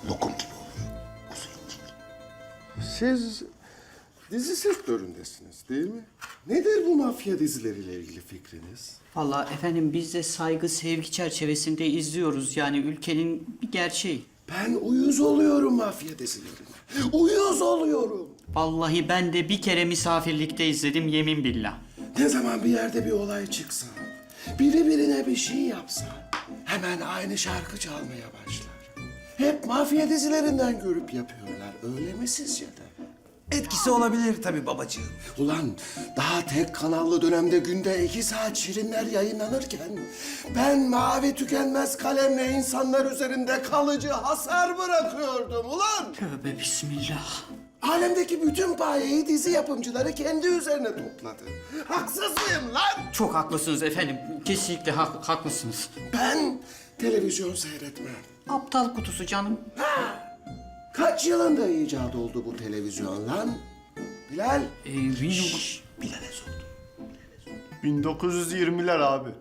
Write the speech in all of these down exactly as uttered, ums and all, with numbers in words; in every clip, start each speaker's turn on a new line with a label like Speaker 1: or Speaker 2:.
Speaker 1: lokum gibi oluyor. Kuzu incik.
Speaker 2: Siz dizi sektöründesiniz değil mi? Nedir bu mafya dizileriyle ilgili fikriniz?
Speaker 3: Vallahi efendim biz de saygı, sevgi çerçevesinde izliyoruz. Yani ülkenin bir gerçeği.
Speaker 2: Ben uyuz oluyorum mafya dizilerine. Uyuz oluyorum.
Speaker 3: Vallahi ben de bir kere misafirlikte izledim yemin billah.
Speaker 2: Ne zaman bir yerde bir olay çıksa, biri birine bir şey yapsa hemen aynı şarkı çalmaya başlar. Hep mafya dizilerinden görüp yapıyorlar. Öyle mi sizce de?
Speaker 1: Etkisi olabilir tabii babacığım.
Speaker 2: Ulan daha tek kanallı dönemde günde iki saat şirinler yayınlanırken ben mavi tükenmez kalemle insanlar üzerinde kalıcı hasar bırakıyordum ulan.
Speaker 3: Tövbe bismillah.
Speaker 2: Alemdeki bütün payeyi dizi yapımcıları kendi üzerine topladı. Haksız mıyım lan?
Speaker 3: Çok haklısınız efendim. Kesinlikle hak- haklısınız.
Speaker 2: Ben televizyon seyretmem.
Speaker 3: Aptal kutusu canım.
Speaker 2: Kaç yılında icat oldu bu televizyon lan? Bilal?
Speaker 3: Ee, bilmiyorum.
Speaker 1: Bilal'e sordum.
Speaker 4: bin dokuz yüz yirmiler abi.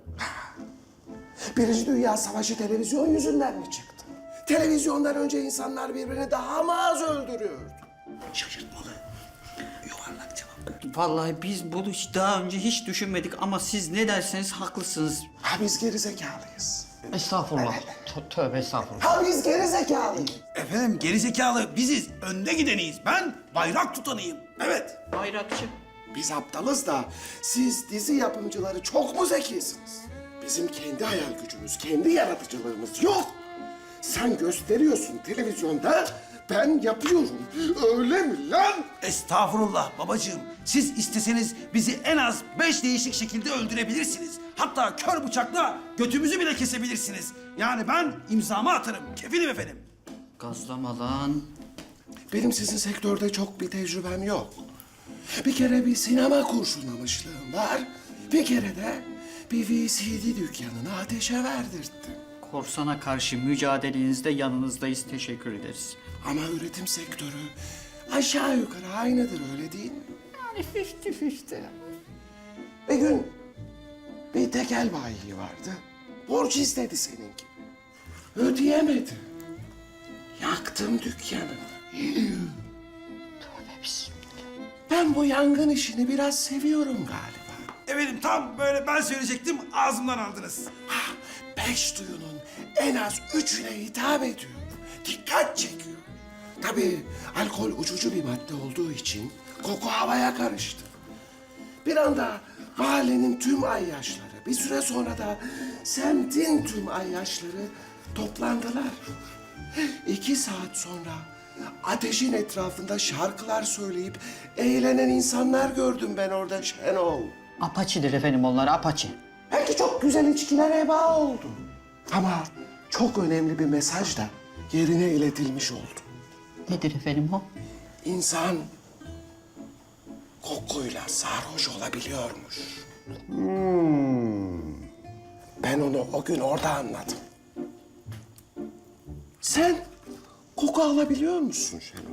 Speaker 2: Birinci Dünya Savaşı televizyon yüzünden mi çıktı? Televizyondan önce insanlar birbirini daha mı az öldürüyordu?
Speaker 1: Şaşırtmalı. Yuvarlak cevap.
Speaker 3: Vallahi biz bunu hiç daha önce hiç düşünmedik ama siz ne derseniz haklısınız.
Speaker 2: Ha biz gerizekalıyız.
Speaker 3: Estağfurullah. Tö- Tövbe estağfurullah.
Speaker 2: Ha biz gerizekalıyız.
Speaker 1: Efendim gerizekalı biziz. Önde gideniyiz. Ben bayrak tutanıyım. Evet.
Speaker 3: Bayrakçı.
Speaker 2: Biz aptalız da siz dizi yapımcıları çok mu zekisiniz? Bizim kendi hayal gücümüz, kendi yaratıcılığımız yok. Sen gösteriyorsun televizyonda, ben yapıyorum. Öyle mi lan?
Speaker 1: Estağfurullah babacığım. Siz isteseniz bizi en az beş değişik şekilde öldürebilirsiniz. Hatta kör bıçakla götümüzü bile kesebilirsiniz. Yani ben imzamı atarım. Kefilim efendim.
Speaker 3: Gazlama lan.
Speaker 2: Benim sizin sektörde çok bir tecrübem yok. Bir kere bir sinema kurşunlamışlığım var. Bir kere de bir V C D dükkanını ateşe verdirttim.
Speaker 3: Korsana karşı mücadelenizde yanınızdayız. Teşekkür ederiz.
Speaker 2: Ama üretim sektörü aşağı yukarı aynıdır öyle değil mi?
Speaker 3: Yani fifty fifty.
Speaker 2: Bir gün bir tekel bayi vardı. Borç istedi senin gibi. Ödeyemedi. Yaktım dükkanı.
Speaker 3: Tövbe bismillah.
Speaker 2: Ben bu yangın işini biraz seviyorum galiba.
Speaker 1: Efendim tam böyle ben söyleyecektim ağzımdan aldınız.
Speaker 2: Ha, beş duyunun en az üçüne hitap ediyor. Dikkat çekiyor. Tabii alkol uçucu bir madde olduğu için koku havaya karıştı. Bir anda mahallenin tüm ayyaşları, bir süre sonra da semtin tüm ayyaşları toplandılar. İki saat sonra ateşin etrafında şarkılar söyleyip eğlenen insanlar gördüm ben orada Şenol.
Speaker 3: Apaçidir efendim onlar, apaçi.
Speaker 2: Belki çok güzel içkiler heba oldu. Ama çok önemli bir mesaj da yerine iletilmiş oldu.
Speaker 3: Nedir efendim o?
Speaker 2: İnsan kokuyla sarhoş olabiliyormuş. Hmm. Ben onu o gün orada anladım. Sen koku alabiliyor musun Şenol?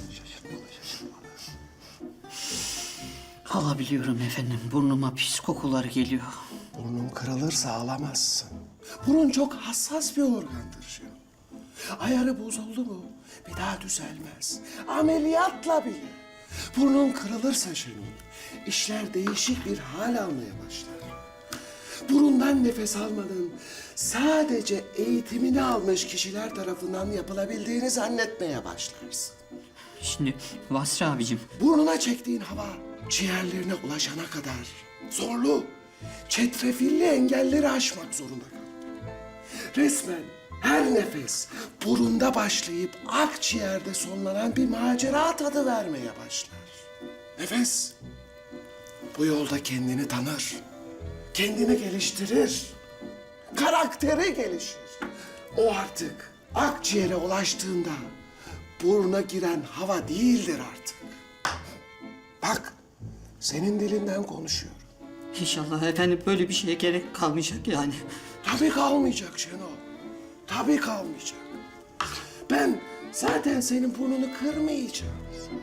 Speaker 3: Alabiliyorum efendim. Burnuma pis kokular geliyor.
Speaker 2: Burnun kırılırsa alamazsın. Burun çok hassas bir organdır Şenol. Ayarı bozuldu mu bir daha düzelmez. Ameliyatla bile. Burnun kırılırsa Şenol, işler değişik bir hal almaya başlar. Burundan nefes almanın sadece eğitimini almış kişiler tarafından yapılabildiğini zannetmeye başlarsın.
Speaker 3: Şimdi Vasri abicim.
Speaker 2: Burnuna çektiğin hava ciğerlerine ulaşana kadar zorlu, çetrefilli engelleri aşmak zorunda kal. Resmen her nefes burunda başlayıp akciğerde sonlanan bir macera tadı vermeye başlar. Nefes bu yolda kendini tanır, kendini geliştirir, karakteri gelişir. O artık akciğere ulaştığında buruna giren hava değildir artık. Bak, senin dilinden konuşuyorum.
Speaker 3: İnşallah efendim böyle bir şeye gerek kalmayacak yani.
Speaker 2: Tabii kalmayacak Şenol. Tabii kalmayacak. Ben zaten senin burnunu kırmayacağım.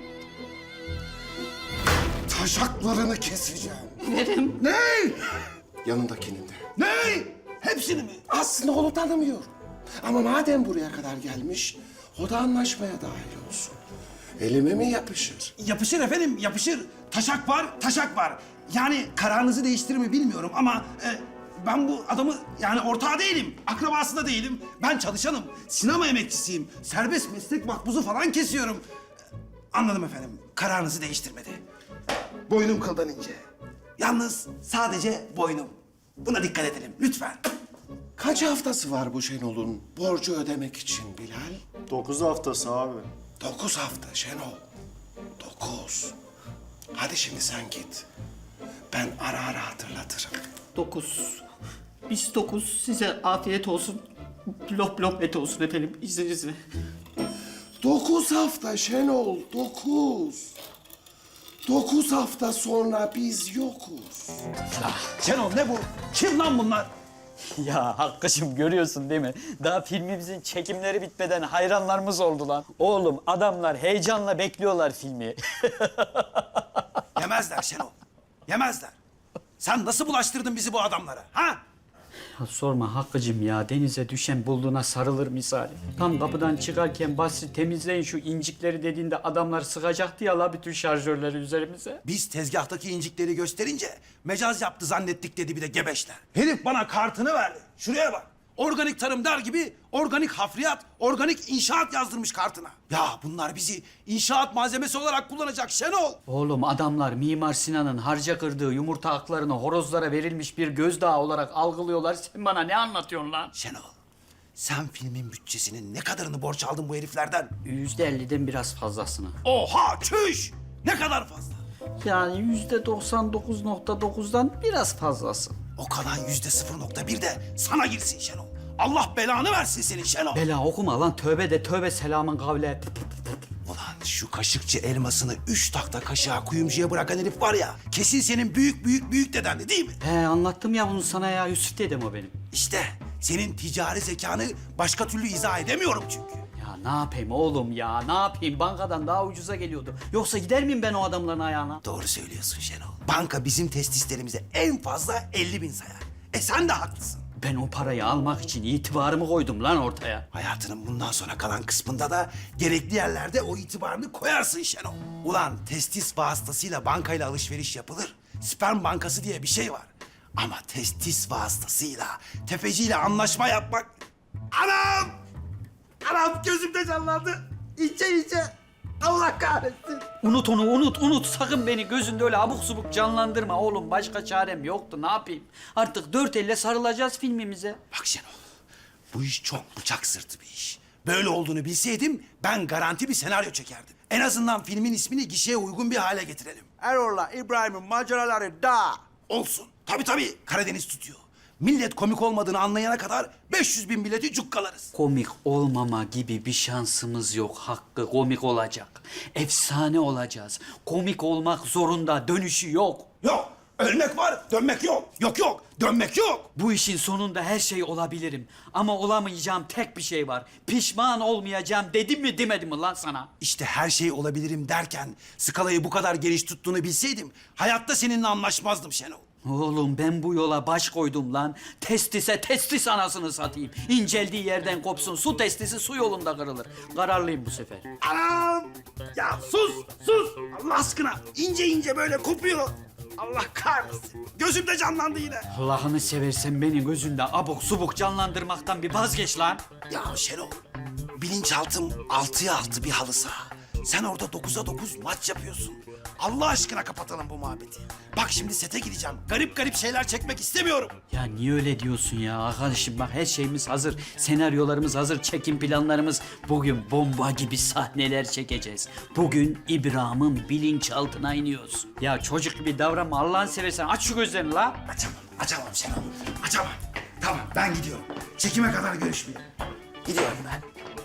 Speaker 2: Taşaklarını keseceğim.
Speaker 3: Verim.
Speaker 2: Ne? Yanındakinin de.
Speaker 1: Ne? Hepsini mi?
Speaker 2: Aslında onu tanımıyorum. Ama madem buraya kadar gelmiş, O da anlaşmaya dahil olsun. Elime mi yapışır?
Speaker 1: Yapışır efendim, yapışır. Taşak var, taşak var. Yani kararınızı değiştirir mi bilmiyorum ama e, ben bu adamı yani ortağı değilim, akrabası da değilim. Ben çalışanım, sinema emekçisiyim. Serbest meslek makbuzu falan kesiyorum. Anladım efendim, kararınızı değiştirmedi. Boynum kıldan ince. Yalnız sadece boynum. Buna dikkat edelim lütfen.
Speaker 2: Kaç haftası var bu Şenol'un borcu ödemek için Bilal?
Speaker 4: Dokuz haftası abi.
Speaker 2: Dokuz hafta Şenol. Dokuz. Hadi şimdi sen git. Ben ara ara hatırlatırım.
Speaker 3: Dokuz. Biz dokuz. Size afiyet olsun. Lop lop et olsun efendim izninizle.
Speaker 2: Dokuz hafta Şenol, dokuz. Dokuz hafta sonra biz yokuz.
Speaker 1: Şenol ne bu? Kim lan bunlar?
Speaker 5: Ya Hakkı'cığım görüyorsun değil mi? Daha filmimizin çekimleri bitmeden hayranlarımız oldu lan. Oğlum adamlar heyecanla bekliyorlar filmi.
Speaker 1: Yemezler Şenol, yemezler. Sen nasıl bulaştırdın bizi bu adamlara, ha?
Speaker 3: Ya sorma Hakkı'cığım ya, denize düşen bulduğuna sarılır misali. Tam kapıdan çıkarken Basri temizleyin şu incikleri dediğinde adamlar sıkacaktı ya la bütün şarjörleri üzerimize.
Speaker 1: Biz tezgahtaki incikleri gösterince mecaz yaptı zannettik dedi bir de gebeşler. Herif bana kartını verdi. Şuraya bak. Organik tarım der gibi organik hafriyat, organik inşaat yazdırmış kartına. Ya bunlar bizi inşaat malzemesi olarak kullanacak Şenol.
Speaker 3: Oğlum adamlar Mimar Sinan'ın harca kırdığı yumurta haklarını horozlara verilmiş bir gözdağı olarak algılıyorlar. Sen bana ne anlatıyorsun lan?
Speaker 1: Şenol, sen filmin bütçesinin ne kadarını borç aldın bu heriflerden?
Speaker 3: Yüzde elliden biraz fazlasını.
Speaker 1: Oha çüş! Ne kadar fazla?
Speaker 3: Yani yüzde doksan dokuz nokta dokuzdan biraz fazlası.
Speaker 1: O kalan yüzde sıfır nokta bir de sana girsin Şenol. Allah belanı versin senin Şenol.
Speaker 3: Bela okuma lan, tövbe de tövbe, selamın kavle.
Speaker 1: Ulan şu kaşıkçı elmasını üç takta kaşığa kuyumcuya bırakan herif var ya... ...kesin senin büyük büyük büyük dedendi değil mi?
Speaker 3: He anlattım ya bunu sana ya, Yusuf dedem o benim.
Speaker 1: İşte senin ticari zekanı başka türlü izah edemiyorum çünkü.
Speaker 3: Ya ne yapayım oğlum ya, ne yapayım? Bankadan daha ucuza geliyordu. Yoksa gider miyim ben o adamların ayağına?
Speaker 1: Doğru söylüyorsun Şenol. Banka bizim testislerimize en fazla elli bin sayar. E sen de haklısın.
Speaker 3: Ben o parayı almak için itibarımı koydum lan ortaya.
Speaker 1: Hayatının bundan sonra kalan kısmında da gerekli yerlerde o itibarını koyarsın Şenol. Ulan testis vasıtasıyla bankayla alışveriş yapılır. Sperm bankası diye bir şey var. Ama testis vasıtasıyla tefeciyle anlaşma yapmak... Anam! Anam gözümde canlandı. İnce ince. Allah kahretsin.
Speaker 3: Unut onu, unut, unut. Sakın beni gözünde öyle abuk subuk canlandırma oğlum. Başka çarem yoktu, ne yapayım? Artık dört elle sarılacağız filmimize.
Speaker 1: Bak Şenol, bu iş çok bıçak sırtı bir iş. Böyle olduğunu bilseydim ben garanti bir senaryo çekerdim. En azından filmin ismini gişeye uygun bir hale getirelim.
Speaker 6: Erol'la İbrahim'in maceraları da.
Speaker 1: Olsun. Tabii tabii. Karadeniz tutuyor. Millet komik olmadığını anlayana kadar beş yüz bin bileti cukkalarız.
Speaker 3: Komik olmama gibi bir şansımız yok Hakkı. Komik olacak. Efsane olacağız. Komik olmak zorunda, dönüşü yok.
Speaker 1: Yok. Ölmek var, dönmek yok. Yok yok, dönmek yok.
Speaker 3: Bu işin sonunda her şey olabilirim. Ama olamayacağım tek bir şey var. Pişman olmayacağım dedim mi demedim mi lan sana?
Speaker 1: İşte her şey olabilirim derken skalayı bu kadar geniş tuttuğunu bilseydim hayatta seninle anlaşmazdım Şenol.
Speaker 3: Oğlum ben bu yola baş koydum lan. Testise testis anasını satayım. İnceldiği yerden kopsun. Su testisi su yolunda kırılır. Kararlıyım bu sefer.
Speaker 1: Anam! Ya sus, sus! Allah aşkına ince ince böyle kopuyor. Allah kahretsin. Gözümde canlandı yine.
Speaker 3: Allah'ını seversen beni gözünde abuk subuk canlandırmaktan bir vazgeç lan.
Speaker 1: Ya Şenol, bilinçaltım altıya altı bir halı saha. Sen orada dokuza dokuz maç yapıyorsun. Allah aşkına kapatalım bu muhabbeti. Bak şimdi sete gideceğim. Garip garip şeyler çekmek istemiyorum.
Speaker 3: Ya niye öyle diyorsun ya arkadaşım, bak her şeyimiz hazır. Senaryolarımız hazır, çekim planlarımız. Bugün bomba gibi sahneler çekeceğiz. Bugün İbrahim'in bilinçaltına iniyoruz. Ya çocuk gibi davranma Allah'ını seversen, aç şu gözlerini la.
Speaker 1: Açamam, açamam Şenol. Açamam. Tamam ben gidiyorum. Çekime kadar görüşmeyelim. Gidiyorum ben.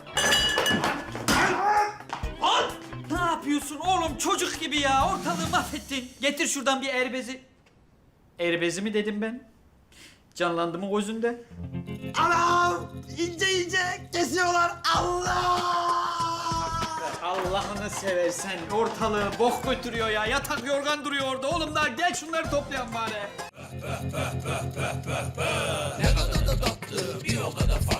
Speaker 3: Ne yapıyorsun oğlum, çocuk gibi ya, ortalığı mahvettin. Getir şuradan bir erbezi. Erbezi mi dedim ben? Canlandı mı gözünde?
Speaker 1: Anam! İnce ince kesiyorlar. Allah!
Speaker 3: Allah'ını seversen ortalığı bok götürüyor ya. Yatak yorgan duruyor orada. Oğlum da gel şunları toplayan bari.